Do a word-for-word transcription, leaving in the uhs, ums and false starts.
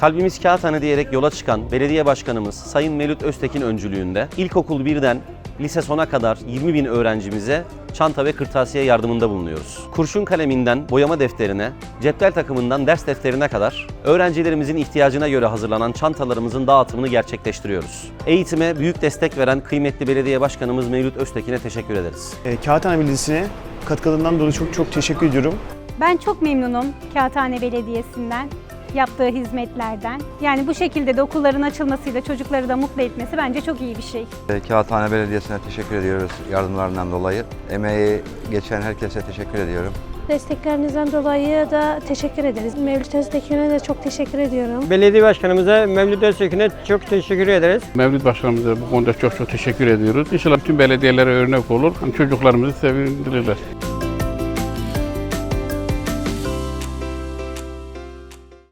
Kalbimiz Kağıthane diyerek yola çıkan belediye başkanımız Sayın Mevlüt Öztekin öncülüğünde ilkokul birden lise sona kadar yirmi bin öğrencimize çanta ve kırtasiye yardımında bulunuyoruz. Kurşun kaleminden boyama defterine, cetvel takımından ders defterine kadar öğrencilerimizin ihtiyacına göre hazırlanan çantalarımızın dağıtımını gerçekleştiriyoruz. Eğitime büyük destek veren kıymetli belediye başkanımız Mevlüt Öztekin'e teşekkür ederiz. E, Kağıthane Belediyesi'ne katkılarından dolayı çok çok teşekkür ediyorum. Ben çok memnunum Kağıthane Belediyesi'nden, yaptığı hizmetlerden. Yani bu şekilde de okulların açılmasıyla çocukları da mutlu etmesi bence çok iyi bir şey. Kağıthane Belediyesi'ne teşekkür ediyoruz yardımlarından dolayı. Emeği geçen herkese teşekkür ediyorum. Desteklerinizden dolayı da teşekkür ederiz. Mevlüt Öztekin'e de çok teşekkür ediyorum. Belediye başkanımıza, Mevlüt Öztekin'e çok teşekkür ederiz. Mevlüt başkanımıza bu konuda çok çok teşekkür ediyoruz. İnşallah bütün belediyelere örnek olur, çocuklarımızı sevindirirler.